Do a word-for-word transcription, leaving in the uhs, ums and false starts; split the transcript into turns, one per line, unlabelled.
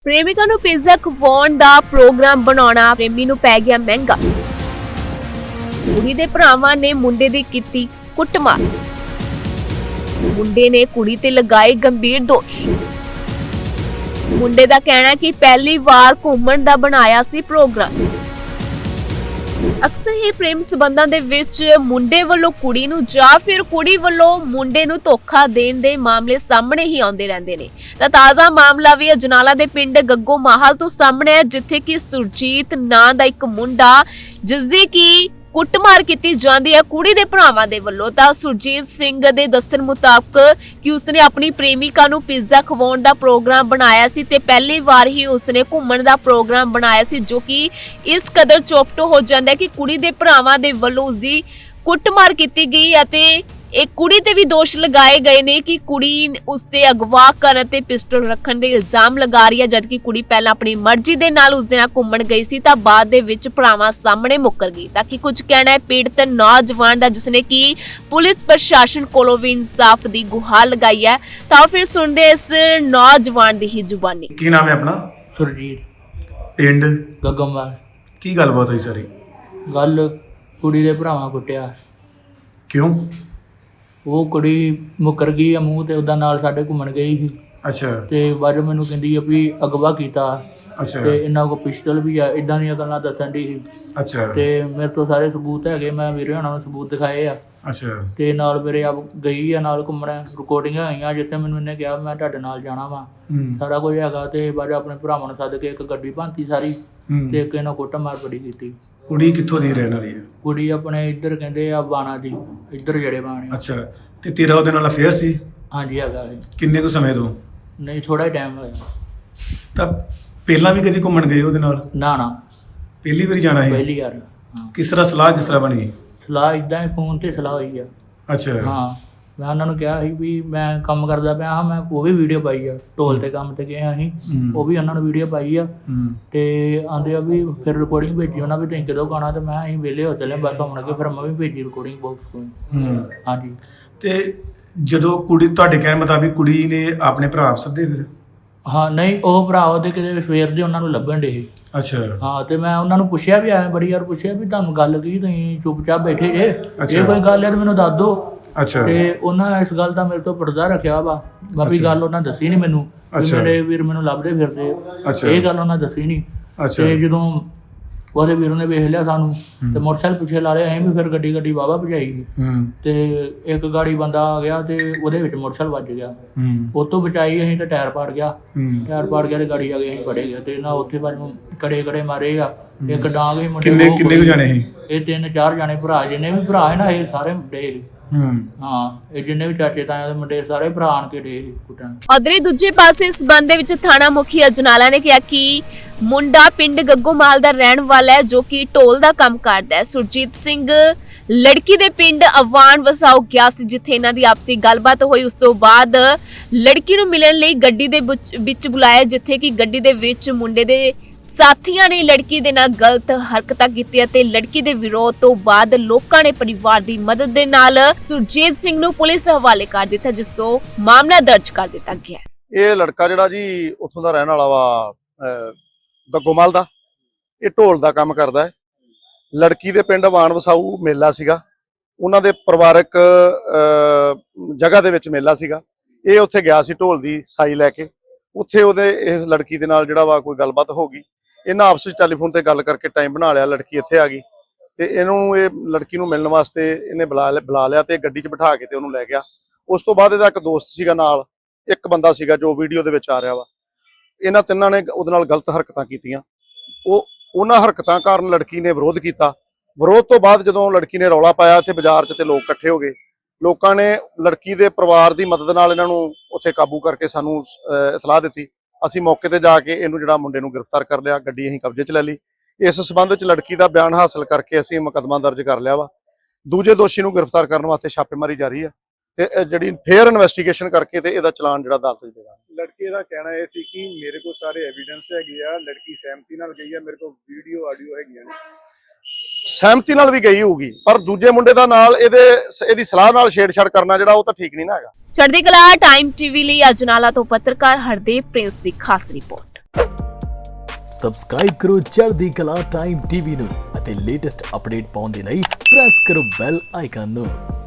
ਪ੍ਰੇਮਿਕਾ ਨੂੰ ਪੀਜ਼ਾ ਖਵਾਉਣ ਦਾ ਪ੍ਰੋਗਰਾਮ ਬਣਾਉਣਾ ਪ੍ਰੇਮੀ ਨੂੰ ਪੈ ਗਿਆ ਮਹਿੰਗਾ। ਕੁੜੀ ਦੇ ਭਰਾਵਾਂ ਨੇ ਮੁੰਡੇ ਦੀ ਕੀਤੀ ਕੁੱਟਮਾਰ। ਮੁੰਡੇ ਨੇ ਕੁੜੀ ਤੇ ਲਗਾਏ ਗੰਭੀਰ ਦੋਸ਼। ਮੁੰਡੇ ਦਾ ਕਹਿਣਾ ਹੈ ਕਿ ਪਹਿਲੀ ਵਾਰ ਘੁੰਮਣ ਦਾ ਬਣਾਇਆ ਸੀ ਪ੍ਰੋਗਰਾਮ। ਅਕਸਰ ਹੀ ਪ੍ਰੇਮ ਸੰਬੰਧਾਂ ਦੇ ਵਿੱਚ ਮੁੰਡੇ ਵੱਲੋਂ ਕੁੜੀ ਨੂੰ ਜਾਂ ਫਿਰ ਕੁੜੀ ਵੱਲੋਂ ਮੁੰਡੇ ਨੂੰ ਧੋਖਾ ਦੇਣ ਦੇ ਮਾਮਲੇ ਸਾਹਮਣੇ ਹੀ ਆਉਂਦੇ ਰਹਿੰਦੇ ਨੇ। ਤਾਂ ਤਾਜ਼ਾ ਮਾਮਲਾ ਵੀ ਅਜਨਾਲਾ ਦੇ ਪਿੰਡ ਗੱਗੋ ਮਾਹਲ ਤੋਂ ਸਾਹਮਣੇ ਹੈ, ਜਿੱਥੇ ਕਿ ਸੁਰਜੀਤ ਨਾਂ ਦਾ ਇੱਕ ਮੁੰਡਾ ਜਿਸ ਦੀ ਕਿ ਕੁੱਟਮਾਰ ਕੀਤੀ ਜਾਂਦੀ ਹੈ ਕੁੜੀ ਦੇ ਭਰਾਵਾਂ ਦੇ ਵੱਲੋਂ। ਤਾਂ ਸੁਰਜੀਤ ਸਿੰਘ ਦੇ ਦੱਸਣ ਮੁਤਾਬਕ ਕਿ ਉਸਨੇ ਆਪਣੀ ਪ੍ਰੇਮਿਕਾ ਨੂੰ ਪੀਜ਼ਾ ਖਵਾਉਣ ਦਾ ਪ੍ਰੋਗਰਾਮ ਬਣਾਇਆ ਸੀ ਤੇ ਪਹਿਲੀ ਵਾਰ ਹੀ ਉਸਨੇ ਘੁੰਮਣ ਦਾ ਪ੍ਰੋਗਰਾਮ ਬਣਾਇਆ ਸੀ, ਜੋ ਕਿ ਇਸ ਕਦਰ ਚੋਪਟੋ ਹੋ ਜਾਂਦਾ ਹੈ ਕਿ ਕੁੜੀ ਦੇ ਭਰਾਵਾਂ ਦੇ ਵੱਲੋਂ ਉਸਦੀ ਕੁੱਟਮਾਰ ਕੀਤੀ ਗਈ ਅਤੇ ਇਹ ਕੁੜੀ ਤੇ ਵੀ ਦੋਸ਼ ਲਗਾਏ ਗਏ ਨੇ ਕਿ ਕੁੜੀ ਉਸਤੇ ਅਗਵਾ ਕਰਨ ਤੇ ਪਿਸਟਲ ਰੱਖਣ ਦੇ ਇਲਜ਼ਾਮ ਲਗਾ ਰਹੀ ਹੈ, ਜਦਕਿ ਕੁੜੀ ਪਹਿਲਾਂ ਆਪਣੀ ਮਰਜ਼ੀ ਦੇ ਨਾਲ ਉਸਦੇ ਨਾਲ ਘੁੰਮਣ ਗਈ ਸੀ ਤਾਂ ਬਾਅਦ ਦੇ ਵਿੱਚ ਭਰਾਵਾਂ ਸਾਹਮਣੇ ਮੁੱਕਰ ਗਈ। ਤਾਂ ਕਿ ਕੁਝ ਕਹਿਣਾ ਹੈ ਪੀੜਤ ਨੌਜਵਾਨ ਦਾ, ਜਿਸਨੇ ਕਿ ਪੁਲਿਸ ਪ੍ਰਸ਼ਾਸਨ ਕੋਲੋਂ ਵੀ ਇਨਸਾਫ ਦੀ ਗੁਹਾਰ ਲਗਾਈ ਹੈ। ਤਾਂ ਫਿਰ ਸੁਣਦੇ ਇਸ ਨੌਜਵਾਨ ਦੀ ਹੀ ਜ਼ੁਬਾਨੀ।
ਕੀ ਨਾਮ ਹੈ ਆਪਣਾ?
ਸੁਰਜੀਤ,
ਪਿੰਡ
ਗੱਗਮਵਾਲ।
ਕੀ ਗੱਲਬਾਤ ਹੋਈ ਸਾਰੀ?
ਗੱਲ ਕੁੜੀ ਦੇ ਭਰਾਵਾਂ ਕੁੱਟਿਆ।
ਕਿਉਂ?
ਉਹ ਕੁੜੀ ਮੁੱਕਰ ਗਈ ਆ ਮੂੰਹ ਤੇ ਉਹਦਾ ਨਾਲ ਸਾਡੇ ਘੁੰਮਣ ਗਈ ਸੀ
ਅੱਛਾ
ਤੇ ਬਾਅਦ ਮੈਨੂੰ ਕਹਿੰਦੀ ਆ ਵੀ ਅਗਵਾ ਕੀਤਾ
ਅੱਛਾ
ਤੇ ਇਹਨਾਂ ਕੋਲ ਪਿਸਟਲ ਵੀ ਆ, ਇਦਾਂ ਦੀਆਂ ਗੱਲਾਂ ਦੱਸਣ ਦੀ ਸੀ
ਅੱਛਾ
ਤੇ ਮੇਰੇ ਤੋਂ ਸਾਰੇ ਸਬੂਤ ਹੈਗੇ, ਮੈਂ ਵੀਰੇ ਹੋਣਾ ਨੂੰ ਸਬੂਤ ਦਿਖਾਏ ਆ।
ਅੱਛਾ
ਤੇ ਨਾਲ ਮੇਰੇ ਆਪ ਗਈ ਆ ਨਾਲ ਘੁੰਮਣ, ਰਿਕਾਰਡਿੰਗਾਂ ਆਈਆਂ ਜਿੱਥੇ ਮੈਨੂੰ ਇਹਨੇ ਕਿਹਾ ਮੈਂ ਤੁਹਾਡੇ ਨਾਲ ਜਾਣਾ ਵਾ,
ਹੂੰ
ਸਾਰਾ ਕੁਝ ਹੈਗਾ। ਤੇ ਬਾਅਦ ਆਪਣੇ ਭਰਾਵਾਂ ਨੂੰ ਸੱਦ ਕੇ ਇੱਕ ਗੱਡੀ ਭਾਂਤੀ ਸਾਰੀ
ਹੂੰ।
ਤੇ ਇੱਕ ਇਹਨਾਂ ਕੁੱਟ ਮਾਰ ਬੜੀ ਕੀਤੀ।
ਕੁੜੀ ਕਿੱਥੋਂ ਦੀ ਰਹਿਣ ਵਾਲੀ ਹੈ?
ਕੁੜੀ ਆਪਣੇ ਇੱਧਰ ਕਹਿੰਦੇ ਆ ਬਾਣਾ ਦੀ, ਇੱਧਰ ਜਿਹੜੇ ਬਾਣੇ।
ਅੱਛਾ, ਤੇ ਤੇਰਾ ਉਹਦੇ ਨਾਲ ਅਫੇਅਰ ਸੀ?
ਹਾਂਜੀ ਹੈਗਾ ਸੀ।
ਕਿੰਨੇ ਕੁ ਸਮੇਂ ਤੋਂ?
ਨਹੀਂ ਥੋੜਾ ਟਾਈਮ ਹੋਇਆ।
ਤਾਂ ਪਹਿਲਾਂ ਵੀ ਕਦੀ ਘੁੰਮਣ ਗਏ ਉਹਦੇ ਨਾਲ?
ਨਾ ਨਾ
ਪਹਿਲੀ ਵਾਰੀ ਜਾਣਾ ਹੈ?
ਪਹਿਲੀ ਵਾਰ। ਹਾਂ,
ਕਿਸ ਤਰ੍ਹਾਂ ਸਲਾਹ ਕਿਸ ਤਰ੍ਹਾਂ ਬਣੀ?
ਸਲਾਹ ਇਦਾਂ ਹੀ ਫੋਨ ਤੇ ਸਲਾਹ ਹੋਈ ਆ।
ਅੱਛਾ
ਹਾਂ, ਮੈਂ ਉਹਨਾਂ ਨੂੰ ਕਿਹਾ ਸੀ ਵੀ ਮੈਂ ਕੰਮ ਕਰਦਾ ਪਿਆ ਹਾਂ, ਮੈਂ ਉਹ ਵੀ ਵੀਡੀਓ ਪਾਈ ਆ, ਢੋਲ ਤੇ ਕੰਮ ਤੇ ਗਏ ਅਸੀਂ, ਉਹ ਵੀ ਉਹਨਾਂ ਨੂੰ ਵੀਡੀਓ ਪਾਈ ਆ। ਤੇ ਆਂਦੇ ਆ ਵੀ ਫਿਰ ਰਿਕਾਰਡਿੰਗ ਭੇਜੀ ਉਹਨਾਂ ਵੀ, ਤੁਸੀਂ ਕਦੋਂ ਗਾਣਾ? ਤੇ ਮੈਂ ਅਸੀਂ ਵਿਹਲੇ ਹੋ ਚੱਲੇ ਬਸ ਹੁਣ ਅੱਗੇ, ਫਿਰ ਮੈਂ ਵੀ ਭੇਜੀ ਰਿਕਾਰਡਿੰਗ ਬਾਕਸ ਕੋਲ। ਹਾਂਜੀ।
ਤੇ ਜਦੋਂ ਕੁੜੀ ਤੁਹਾਡੇ ਕਹਿਣ ਮੁਤਾਬਿਕ ਕੁੜੀ ਨੇ ਆਪਣੇ ਭਰਾ ਸੱਦੇ ਫਿਰ?
ਹਾਂ ਨਹੀਂ, ਉਹ ਭਰਾ ਉਹਦੇ ਕਿਤੇ ਸਵੇਰ ਦੇ ਉਹਨਾਂ ਨੂੰ ਲੱਭਣ ਡੇ ਸੀ।
ਅੱਛਾ
ਹਾਂ, ਤੇ ਮੈਂ ਉਹਨਾਂ ਨੂੰ ਪੁੱਛਿਆ ਵੀ ਆਇਆ ਬੜੀ ਵਾਰ ਪੁੱਛਿਆ ਵੀ ਤੁਹਾਨੂੰ ਗੱਲ ਕੀ, ਤੁਸੀਂ ਚੁੱਪਚਾਪ ਬੈਠੇ ਜੇ, ਇਹ ਕੋਈ ਗੱਲ ਹੈ ਮੈਨੂੰ ਦੱਸ ਦਿਓ।
ਅੱਛਾ।
ਤੇ ਉਹਨਾਂ ਇਸ ਗੱਲ ਦਾ ਮੇਰੇ ਤੋਂ ਪਰਦਾ ਰੱਖਿਆ ਵਾ, ਬਾਕੀ ਗੱਲ ਉਹਨਾਂ ਦੱਸੀ ਨਹੀਂ ਮੈਨੂੰ, ਮੇਰੇ ਵੀਰ ਮੈਨੂੰ ਲੱਭਦੇ ਫਿਰਦੇ, ਇਹ ਗੱਲ ਉਹਨਾਂ ਦੱਸੀ ਨਹੀਂ। ਤੇ ਜਦੋਂ ਉਹਦੇ ਵੀਰ ਨੇ ਵੇਖ ਲਿਆ ਸਾਨੂੰ ਤੇ ਮੋਟਰਸਾਈਕਲ ਪਿੱਛੇ ਲਾ ਲਿਆ, ਅਸੀਂ ਵੀ ਫਿਰ ਗੱਡੀ ਗੱਡੀ ਵਾਹਵਾ ਭਜਾਈ ਤੇ ਇੱਕ ਗਾੜੀ ਬੰਦਾ ਆ ਗਿਆ ਤੇ ਉਹਦੇ ਵਿੱਚ ਮੋਟਰਸਾਈਕਲ ਵੱਜ ਗਿਆ, ਉਹ ਤੋਂ ਬਚਾਈ ਅਸੀਂ ਤੇ ਟਾਇਰ ਪਾੜ ਗਿਆ, ਟਾਇਰ ਪਾੜ ਗਿਆ ਤੇ ਗਾੜੀ ਆ ਗਈ, ਅਸੀਂ ਫੜੇ ਗਏ ਤੇ ਨਾ ਉੱਥੇ ਬਾਅਦ ਕੜੇ ਕੜੇ ਮਾਰੇ ਆ, ਇੱਕ ਡਾਂਗ ਹੀ ਮੁੰਡੇ।
ਕਿੰਨੇ ਕਿੰਨੇ ਕੁ ਜਾਣੇ ਸੀ
ਇਹ? ਤਿੰਨ ਚਾਰ ਜਾਣੇ ਭਰਾ, ਜਿੰਨੇ ਵੀ ਭਰਾ ਹੈ ਨਾ ਇਹ ਸਾਰੇ ਮੁੰਡੇ। ਹਾਂ, ਇਹ ਜਿੰਨੇ ਵੀ ਚਾਚੇ ਤਾਇਆ ਦੇ ਮੁੰਡੇ ਸਾਰੇ ਭਰਾ ਆਣ ਕੇ ਡੇ ਕੁੱਟਣ।
ਉਧਰ ਦੂਜੇ ਪਾਸੇ ਇਸ ਸੰਬੰਧ ਦੇ ਵਿੱਚ ਥਾਣਾ ਮੁਖੀ ਅਜਨਾਲਾ ਨੇ ਕਿਹਾ ਕਿ ਮੁੰਡਾ ਪਿੰਡ ਗੱਗੋਮਾਲ ਦਾ ਰਹਿਣ ਵਾਲਾ ਹੈ, ਜੋ ਕਿ ਢੋਲ ਦਾ ਕੰਮ ਕਰਦਾ ਹੈ। ਸੁਰਜੀਤ ਸਿੰਘ ਲੜਕੀ ਦੇ ਪਿੰਡ ਅਵਾਨ ਵਸਾਓ ਗਿਆ ਸੀ, ਜਿੱਥੇ ਇਹਨਾਂ ਦੀ ਆਪਸੀ ਗੱਲਬਾਤ ਹੋਈ। ਉਸ ਤੋਂ ਬਾਅਦ ਲੜਕੀ ਨੂੰ ਮਿਲਣ ਲਈ ਗੱਡੀ ਦੇ ਵਿੱਚ ਬੁਲਾਇਆ, ਜਿੱਥੇ ਕਿ ਗੱਡੀ ਦੇ ਵਿੱਚ ਮੁੰਡੇ ਦੇ ਸਾਥੀਆਂ ਨੇ ਲੜਕੀ ਦੇ ਨਾਲ ਗਲਤ ਹਰਕਤਾਂ ਕੀਤੀਆਂ ਤੇ ਲੜਕੀ ਦੇ ਵਿਰੋਧ ਤੋਂ ਬਾਅਦ ਲੋਕਾਂ ਨੇ ਪਰਿਵਾਰ ਦੀ ਮਦਦ ਦੇ ਨਾਲ ਸੁਰਜੀਤ ਸਿੰਘ ਨੂੰ ਪੁਲਿਸ ਹਵਾਲੇ ਕਰ ਦਿੱਤਾ, ਜਿਸ ਤੋਂ ਮਾਮਲਾ ਦਰਜ ਕਰ ਦਿੱਤਾ ਗਿਆ।
ਇਹ ਲੜਕਾ ਜਿਹੜਾ ਜੀ ਉੱਥੋਂ ਦਾ ਰਹਿਣ ਵਾਲਾ ਵਾ, ਗੱਗੋਮਲ ਦਾ, ਇਹ ਢੋਲ ਦਾ ਕੰਮ ਕਰਦਾ ਹੈ। ਲੜਕੀ ਦੇ ਪਿੰਡ ਵਾਣ ਵਸਾਊ ਮੇਲਾ ਸੀਗਾ, ਉਹਨਾਂ ਦੇ ਪਰਿਵਾਰਕ ਜਗ੍ਹਾ ਦੇ ਵਿੱਚ ਮੇਲਾ ਸੀਗਾ। ਇਹ ਉੱਥੇ ਗਿਆ ਸੀ ਢੋਲ ਦੀ ਸਾਈ ਲੈ ਕੇ, ਉੱਥੇ ਉਹਦੇ ਇਸ ਲੜਕੀ ਦੇ ਨਾਲ ਜਿਹੜਾ ਵਾ ਕੋਈ ਗੱਲਬਾਤ ਹੋ ਗਈ। ਇਹਨਾਂ ਆਪਸ ਵਿੱਚ ਟੈਲੀਫੋਨ ਤੇ ਗੱਲ ਕਰਕੇ ਟਾਈਮ ਬਣਾ ਲਿਆ, ਲੜਕੀ ਇੱਥੇ ਆ ਗਈ ਤੇ ਇਹਨੂੰ ਇਹ ਲੜਕੀ ਨੂੰ ਮਿਲਣ ਵਾਸਤੇ ਇਹਨੇ ਬੁਲਾ ਬੁਲਾ ਲਿਆ ਤੇ ਗੱਡੀ 'ਚ ਬਿਠਾ ਕੇ ਤੇ ਉਹਨੂੰ ਲੈ ਗਿਆ। ਉਸ ਤੋਂ ਬਾਅਦ ਇਹਦਾ ਇੱਕ ਦੋਸਤ ਸੀਗਾ ਨਾਲ, ਇੱਕ ਬੰਦਾ ਸੀਗਾ ਜੋ ਵੀਡੀਓ ਦੇ ਵਿੱਚ ਆ ਰਿਹਾ ਵਾ। ਇਹਨਾਂ ਤਿੰਨਾਂ ਨੇ ਉਹਦੇ ਨਾਲ ਗਲਤ ਹਰਕਤਾਂ ਕੀਤੀਆਂ। ਉਹ ਉਹਨਾਂ ਹਰਕਤਾਂ ਕਾਰਨ ਲੜਕੀ ਨੇ ਵਿਰੋਧ ਕੀਤਾ। ਵਿਰੋਧ ਤੋਂ ਬਾਅਦ ਜਦੋਂ ਲੜਕੀ ਨੇ ਰੌਲਾ ਪਾਇਆ ਇੱਥੇ ਬਾਜ਼ਾਰ 'ਚ ਤੇ ਲੋਕ ਇਕੱਠੇ ਹੋ ਗਏ, ਲੋਕਾਂ ਨੇ ਲੜਕੀ ਦੇ ਪਰਿਵਾਰ ਦੀ ਮਦਦ ਨਾਲ ਇਹਨਾਂ ਨੂੰ ਉੱਥੇ ਕਾਬੂ ਕਰਕੇ ਸਾਨੂੰ ਇਤਲਾਹ ਦਿੱਤੀ। ਅਸੀਂ ਮੌਕੇ ਤੇ ਜਾ ਕੇ ਇਹਨੂੰ ਜਿਹੜਾ ਮੁੰਡੇ ਨੂੰ ਗ੍ਰਿਫਤਾਰ ਕਰ ਲਿਆ, ਗੱਡੀ ਅਸੀਂ ਕਬਜ਼ੇ 'ਚ ਲੈ ਲਈ। ਇਸ ਸਬੰਧ ਵਿੱਚ ਲੜਕੀ ਦਾ ਬਿਆਨ ਹਾਸਲ ਕਰਕੇ ਅਸੀਂ ਮੁਕੱਦਮਾ ਦਰਜ ਕਰ ਲਿਆ ਵਾ। ਦੂਜੇ ਦੋਸ਼ੀ ਨੂੰ ਗ੍ਰਿਫਤਾਰ ਕਰਨ ਵਾਸਤੇ ਛਾਪੇਮਾਰੀ ਜਾਰੀ ਹੈ ਤੇ ਜਿਹੜੀ ਫੇਅਰ ਇਨਵੈਸਟੀਗੇਸ਼ਨ ਕਰਕੇ ਤੇ ਇਹਦਾ ਚਲਾਨ ਜਿਹੜਾ ਅਦਾਲਤ 'ਚ ਦੇਣਾ।
ਲੜਕੇ ਦਾ ਕਹਿਣਾ ਇਹ ਸੀ ਕਿ ਮੇਰੇ ਕੋਲ ਸਾਰੇ ਐਵੀਡੈਂਸ ਹੈਗੇ ਆ, ਲੜਕੀ ਸਹਿਮਤੀ ਨਾਲ ਗਈ ਆ, ਮੇਰੇ ਕੋਲ ਵੀਡੀਓ ਆਡੀਓ ਹੈਗੀਆਂ ਨੇ।
ਸਹਿਮਤੀ ਨਾਲ ਵੀ ਗਈ ਹੋਊਗੀ, ਪਰ ਦੂਜੇ ਮੁੰਡੇ ਦਾ ਨਾਲ ਇਹਦੇ ਇਹਦੀ ਸਲਾਹ ਨਾਲ ਛੇੜਛਾੜ ਕਰਨਾ ਜਿਹੜਾ ਉਹ ਤਾਂ ਠੀਕ ਨਹੀਂ ਨਾ ਹੈਗਾ।
ਚੜ੍ਹਦੀ ਕਲਾ ਟਾਈਮ ਟੀਵੀ ਲਈ ਅਜਨਾਲਾ ਤੋਂ ਪੱਤਰਕਾਰ ਹਰਦੇਵ ਪ੍ਰਿੰਸ ਦੀ ਖਾਸ ਰਿਪੋਰਟ।
ਸਬਸਕ੍ਰਾਈਬ ਕਰੋ ਚੜ੍ਹਦੀ ਕਲਾ ਟਾਈਮ ਟੀਵੀ ਨੂੰ ਅਤੇ ਲੇਟੈਸਟ ਅਪਡੇਟ ਪਾਉਣ ਦੇ ਲਈ ਪ੍ਰੈਸ ਕਰੋ ਬੈਲ ਆਈਕਨ ਨੂੰ।